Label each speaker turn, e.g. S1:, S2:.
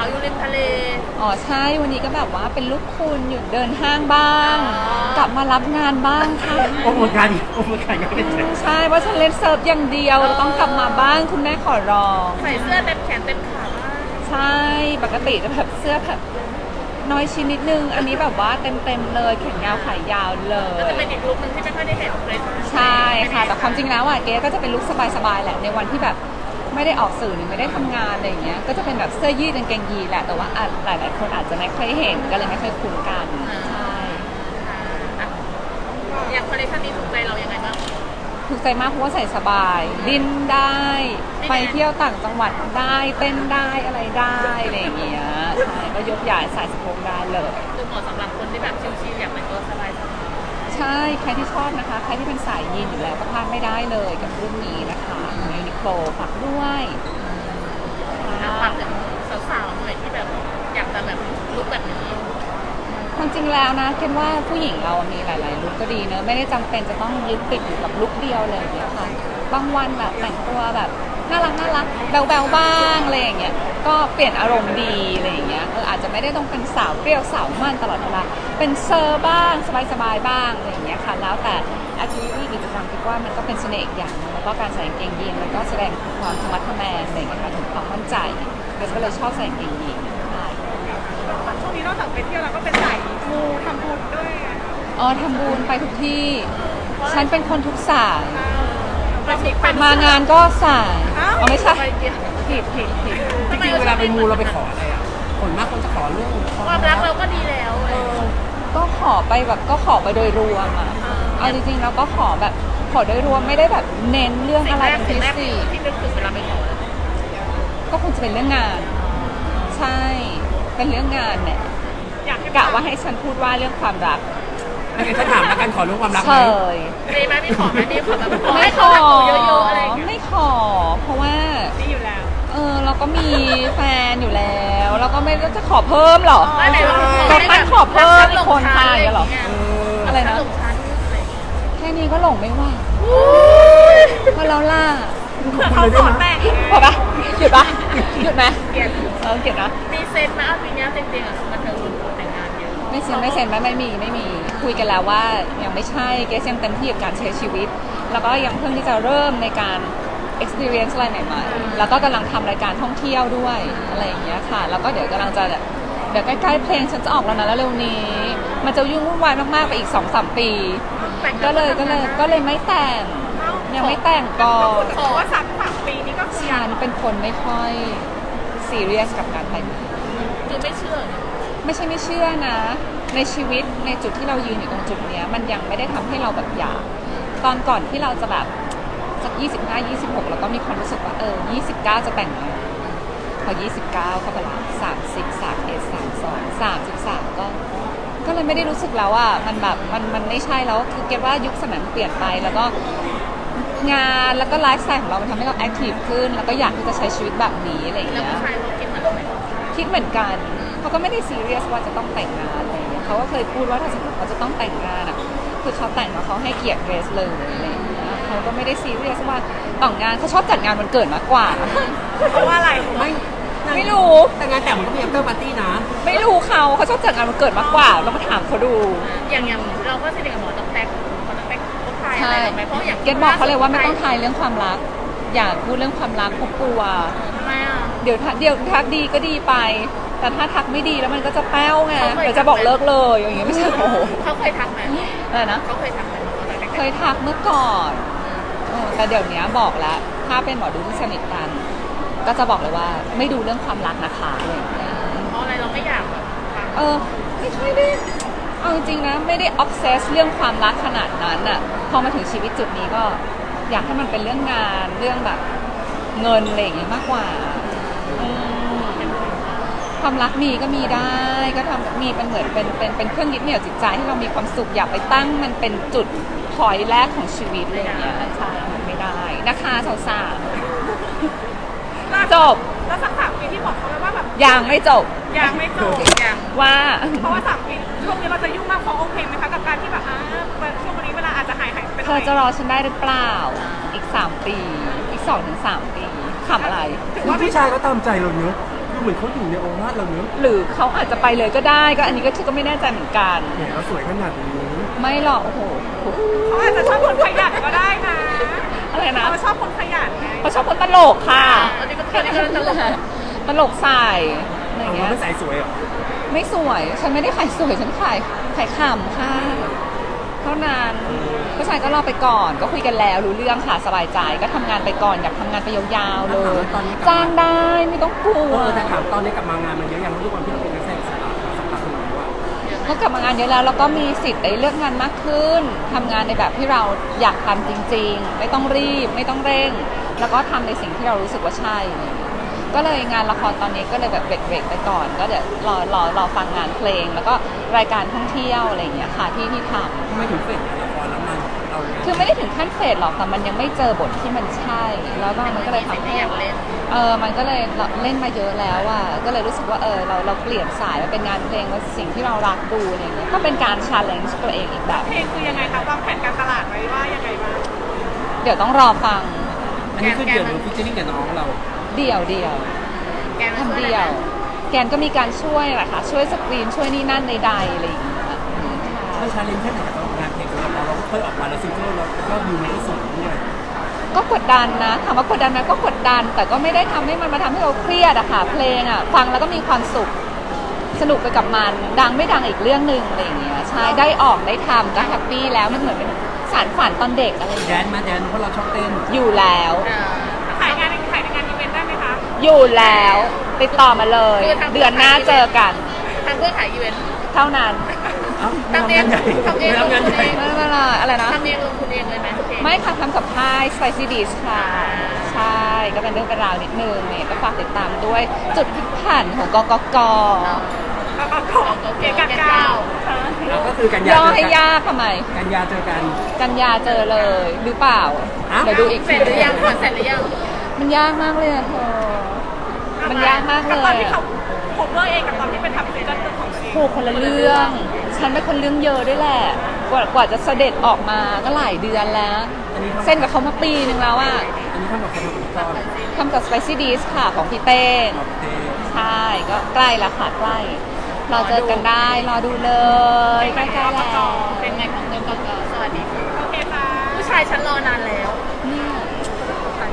S1: อยู่ริมทะเล
S2: อ๋อใช่วันนี้ก็แบบว่าเป็นลูกคุณอยู่เดินห้างบ้าง กลับมารับงานบ้างค่ะ
S3: โอ้โหการอีกโอ้โหการก็เป็น
S2: ใช่เพราะฉันเล่นเซิร์ฟอย่างเดียวต้องกลับมาบ้างคุณแม่ขอร้อง
S1: ใส่เสื้อเต็มแขนเต็มขาบ้าง
S2: ใช่ปกติจะแบบเสื้อแบบน้อยชิ้นนิดนึงอันนี้แบบว่าเต็มเลยแขนยาวขายาวเล
S1: ก็
S2: ย
S1: จะเป็นอีกลุคนึงที่ไม่ค่อยได้เห็นเลย
S2: ใช่ค่ะแต่ความจริงแล้วอ่ะเก๋ก็จะเป็นลุคสบายๆแหละในวันที่แบบไม่ได้ออกสื่อหรือไม่ได้ทำงานอะไรอย่างเงี้ยก็จะเป็นแบบเสื้อยืดกางเกงยีนแหละแต่ว่าหลายๆคนอาจจะไม่เคยเห็นก็เลยไม่เคยคุ้นกันใช่
S1: อย่างคอลเลคชันนี้ถูกใจเรายังไงบ้าง
S2: ถูกใจมากเพราะว่าใส่สบายดิ้นได้ไปเที่ยวต่างจังหวัดได้เต้นได้อะไรได้อะไรอย่างเงี้ยใช่ก็ยกใหญ่ใส่สะโพกได้เลย
S1: คือเหมาะสำหรับคนที่แบบชิลๆอยากแต่งตัวสบาย
S2: ใช่ใครที่ชอบนะคะใครที่เป็นสายยีนอยู่แล้วก็พลาดไม่ได้เลยกับรุ่นนี้นะคะยูนิโคลฝากด้วย
S1: ฝากถึงสาวๆหน่อยที่แบบอยากจะแบบลุคแบบนี้
S2: ความจริงแล้วนะคิดว่าผู้หญิงเรามีหลายๆลุคก็ดีเนอะไม่ได้จำเป็นจะต้องยึดติดอยู่กับลุคเดียวเลยเนี่ยค่ะบางวันแบบแต่งตัวแบบน่ารักแบวๆบ้างอะไรอย่างเงี้ยก็เปลี่ยนอารมณ์ดีอะไรอย่างเงี้ยอาจจะไม่ได้ต้องเป็นสาวเปรี้ยวสาวมั่นตลอดเวลาเป็นเซอร์บ้างสบายๆบ้างอะไรอย่างเงี้ยค่ะแล้วแต่แอคทิวิตี้กิจกรรมคิดว่ามันก็เป็นเสน่ห์อย่างนึงแล้วก็การใส่กางเกงยีนมันก็แสดงความธรรมะทแมงอะไรอย่างเงี้ยค่ะถึงความมั่นใจก็เลยชอบใส่กางเกงยีน
S1: ช่วงนี้นอกจากไปเที่ยวเราก็เป็นสายมูทำบุญด้วย
S2: อ๋อทำบุญไปทุกที่ฉันเป็นคนทุกสายมางานก็สายอ๋อไม่ใช่ผิด
S3: จริงๆเวลาไปมูเราไปขออะไรอ่ะคนมากคนจะขอเรื่อง
S1: ความรักเราก็ดีแล้ว
S2: ก็ขอไปแบบก็ขอไปโดยรวมอ่ะเอาจริงๆเราก็ขอแบบขอโดยรวมไม่ได้แบบเน้นเรื่องอะไรเป็นพิเศษ
S1: ที่นึกถึงเวลาไปขอ
S2: ก็คงจะเป็นเรื่องงานใช่เป็นเรื่องงานเนี่ยกะว่าให้ฉันพูดว่าเรื่องความรัก
S3: ถ้าถามแล้วกันขอเรื่องความรักไหม
S1: มีไหมมีขอไหมมีขอแบบ
S2: ไม่ขอ
S1: เยอะๆอะไร
S2: ไม่ขอเพราะว่า
S1: ดีอยู่แล้ว
S2: เราก็มีแฟนอยู่แล้วเราก็ไม่จะขอเพิ่มหรอ
S1: จะ
S2: ตั้งขอเพิ่มอีกคนทางเหรออะไรนะแค่นี้ก็หลงไม่ว่าพอเราล่า
S1: เขาขอแต่ง
S2: พอปะหยุดปะหยุดไหมเก็บนะ
S1: มีเซนไหมปีนี้จริงๆอ่ะมันเธอแต่งงานเยอะ
S2: ไม่เซ็นไม่มีคุยกันแล้วว่ายังไม่ใช่เกสยังเต็มที่กับการใช้ชีวิตแล้วก็ยังเพิ่งที่จะเริ่มในการ experience อะไรใหม่ๆแล้วก็กำลังทำรายการท่องเที่ยวด้วยอะไรอย่างเงี้ยค่ะแล้วก็เดี๋ยวกำลังจะเดี๋ยวใกล้ๆเพลงฉันจะออกแล้วนะแล้วเร็วนี้มันจะยุ่งวุ่นวายมากๆไปอีก 2-3 ปีก็เลยไม่แต่งยังไม่แต่งก่อน
S1: เพราะว่า3 ปีนี้ก็
S2: ฉันเป็นคนไม่ค่อยซีเรียสกับการแต่ง
S1: คือไม่เชื่อ
S2: ไม่ใช่ไม่เชื่อนะในชีวิตในจุดที่เรายืนอยู่ตรงจุดเนี้ยมันยังไม่ได้ทำให้เราแบบอยากตอนก่อนที่เราจะแบบสัก25-26เราก็มีความรู้สึกว่า29จะแต่งแล้วพอ29เข้าไปละ30 31 32 33ก็เลยไม่ได้รู้สึกแล้วอ่ะมันแบบมันไม่ใช่แล้วคือเก็ตว่ายุคสมัยมันเปลี่ยนไปแล้วก็งานแล้วก็ไลฟ์สไตล์ของเรามันทำให้เราแอคทีฟขึ้นแล้วก็อยากที่จะใช้ชีวิตแบบนี้อะไรอย่างเงี้ย
S1: แล้วผู้ชายเขาคิดเหมือนเราไหม
S2: คิดเหมือนกันเขาก็ไม่ได้ซีเรียสว่าจะต้องแต่งงานอะไรอย่างเงี้ยเขาก็เคยพูดว่าถ้าสมมติเขาจะต้องแต่งงานอ่ะคือเขาแต่งแล้วเขาให้เกียรติเกรซเลยอะไรอย่างเงี้ยเขาก็ไม่ได้ซีเรียสว่าแต่งงานเขาชอบจัดงานวันเกิดมากกว่า
S1: เพราะว่าอะไร
S2: ไม่รู้
S3: แต่งานแต่งมันก็มี after party นะ
S2: ไม่รู้เขาชอบจัดงานวันเกิดมากกว่าเรามาถามเขาดู
S1: อย่างเราก็สนิทกับหมอต้องแป๊กพวกไทยอะไรไหมเพราะอย่าง
S2: เกดบอกเขาเลยว่าไม่ต้องทายเรื่องความรักอยากพูดเรื่องความรักเขากลัว
S1: ทำไมอ่ะ
S2: เดี๋ยวทักดีก็ดีไปแต่ถ้าทักไม่ดีแล้วมันก็จะแป้วไงเดี๋ยวจะบอกเลิกเลยอย่างเงี้ยไม่ใช่โอ้โห
S1: เขาเคยทักไหม
S2: อะไรนะ
S1: เขาเคยทักไหม
S2: เคยทักเมื่อก่อนแต่เดี๋ยวนี้บอกแล้วถ้าเป็นหมอดูที่สนิทกันก็จะบอกเลยว่าไม่ดูเรื่องความรักนะคะอะไรอย่างเงี้ย
S1: เพราะอะไรเราไม่อยากแบบ
S2: ไม่ค่อยได้เอาจริงๆนะไม่ได้ออฟเซสเรื่องความรักขนาดนั้นอ่ะพอมาถึงชีวิตจุดนี้ก็อยากให้มันเป็นเรื่องงานเรื่องแบบเงินอะไรอย่างเงี้ยมากกว่าความรักมีก็มีได้ก็ทำมีเป็นเหมือนเป็นเครื่องยึดเหนี่ยวจิตใจให้เรามีความสุขอยากไปตั้งมันเป็นจุดพอยต์แรกของชีวิตอะไรอย่างเงี้ยใช่มันไม่ได้นะคะสาวๆจบ
S1: แล้วสัก3 ปีที่บอกเขาไว้ว่าแบบ
S2: ยังไม่จบว่า
S1: เพราะว่า3 ปีช่วงนี้เราจะยุ่งมากเขาโอเคไหมคะกับการที่แบบช่วงวันนี้เวลาอาจจะหายไป
S2: เธอจะรอฉันได้หรือเปล่าอีก3 ปีอีก2-3 ปีขำอะไร
S3: ว่าผู้ชายก็ตามใจเราเนอะดูเหมือนเขาอยู่ในองค์ราชเราเนอะ
S2: หรือเขาอาจจะไปเลยก็ได้ก็อันนี้ก็ไม่แน่ใจเหมือนกัน
S3: แหมเราสวยขนาดนี้
S2: ไม่หรอกโอ้โห
S4: เขาอาจจะชอบคนขยันก็ได้นะ
S2: อะไรนะ
S4: เขาชอบคนขยันไง
S2: เขาชอบคนตลกค่ะ
S1: อันนี้ก็ตลก
S2: ตลกใส่อะไร
S3: เอา
S2: เงี้
S3: มาย ไม่ใส่สวยเหรอ
S2: ไม่สวยฉันไม่ได้ขายสวยฉันขายขำค่ะเท่านั้นผู้ชายก็รอไปก่อนก็คุยกันแล้วรู้เรื่องค่ะสบายใจก็ทำงานไปก่อนอยากทำงานไปยาวๆเลยจ้างได้ไม่ต้องกลัว
S3: แต่ถามตอนนี้กลับมางานมันเยอะยังทุกวันที่เราเป็นนักแสดงอิสระสักพักหนึ่งแล้วว่า
S2: ก็กลับมางานเยอะแล้วแล้วก็มีสิทธิ์ได้เลือกงานมากขึ้นทำงานในแบบที่เราอยากทำจริงๆไม่ต้องรีบไม่ต้องเร่ง แล้วก็ทำในสิ่งที่เรารู้สึกว่าใช่ก็เลยงานละครตอนนี้ก็เลยแบบเบรกไปก่อน ก็เดี๋ยวรอฟังงานเพลง แล้วก็รายการท่องเที่ยวอะไรอย่างเงี้ยค่ะที่ท
S3: ทำไมถึงเฟดละครแล้วมันเรา
S2: ำคือไม่ได้ถึงขั้นเฟดหรอกแต่มันยังไม่เจอบทที่มันใช่ แล้วมันก็เลยทำให้
S1: อยากเล่น
S2: มันก็เลยเล่นมาเยอะแล้วอ่ะก็เลยรู้สึกว่าเราเปลี่ยนสายมาเป็นงานเพลงว่าสิ่งที่เรารักดูอะไรอย่างเงี้ยก็เป็นการ challenge ตัวเองอีกแบบ
S4: เพลงคือยังไงคะวางแผนการตลาดไว้ว่ายังไงบ้าง
S2: เดี๋ยวต้องรอฟัง
S3: อันนี้คือเดี่ยวหรือฟิชเชอร์ริ่งกับน้องเรา
S2: เดี่ยว
S1: แกมา
S2: ทำ
S1: ช่วย
S2: เดี่ยว แกนก็มีการช่วยแหละค่ะช่วยสกรีนช่วยนี่นั่นใดๆอะไรอย่างเงี้ย
S3: มันชาเลนจ์แค่ไหนกับงานเพลงของเราเราก็เคยออกมาแล้วซิงเกิลแล้วก็ดูมันก็สูงด้วย
S2: ก็กดดันนะถามว่ากดดันไหมก็กดดัน แต่ก็ไม่ได้ทำให้มันมาทำให้เราเครียดอะค่ะเพลงอะฟังแล้วก็มีความสุขสนุกไปกับมันดังไม่ดังอีกเรื่องหนึ่งอะไรอย่างเงี้ยใช่ได้ออกได้ทำก็แฮปปี้แล้วมันเหมือนเป็นสารฝันตอนเด็กอะไรอย่าง
S3: แด
S2: เงี้ย
S3: นมาแดนเพราะเราชอบเต้น
S2: อยู่แล้ว
S4: ขายงานอีเวนต์ได้ไหมคะ
S2: อยู่แล้วติดต่อมาเลย เดือนหน้าเจอกัน
S1: ทำเพื่อขายอีเวนต์
S2: เท่านั้น
S3: เอ้า
S1: ทำเอง
S3: ทำงานใหญ่
S2: ไม่เป็นไรอะไรนะ
S1: ทำเองลงทุนเองเลยไหมเพลง
S2: ไม่ค่ะทำกับค่าย Spicy Dish ค่ะ ใช่ก็เป็นเรื่องเป็นราวนิดนึงเนี่ยก็ฝากติดตามด้วยจุดพลิกผันของกกก
S4: เกียร์กันก้าว
S3: เราก็คือกันยา
S2: ย่อ
S3: เจอ
S2: ให้
S3: กัน
S2: ยากทำไม
S3: กันยาเจอกัน
S2: กันยาเจอเลยหรือเปล่า
S3: อ้าว
S2: เดี๋ยวดูอีก
S1: เสร็จหรือยังก่อนเสร็จหรือยัง
S2: มันยากมากเลยอะเธอ มันยากมากเล
S4: กับตอน
S2: ย
S4: ที่
S2: อะ
S4: เขาโคเวอร์เองกับตอนที่เป็นทำซิงเกิลของตัวเอง
S2: โหคนละเรื่อง ฉันเป็นคนเรื่องเยอะด้วยแหละ กว่าจะเสด็จออกมาก็หลายเดือนแล้ว เส้นกับเขามาปีนึงแล้วอะ
S3: อันนี้ทำกับใครทำกับพี่ต้อน
S2: ทำกับ Spicy Dish ค่ะของพี่เต้ง
S3: โอเค
S2: ใช่ก็ใกล้แล้วค่ะใกล้รอเจอกันได้รอดูเลย
S4: เป็นไง
S2: ใกล้ๆแล้ว
S1: เป็นไงของกกกสวัสดีค่ะ
S4: โอเคค่ะ
S1: ผู้ชายฉันรอนานแล้ว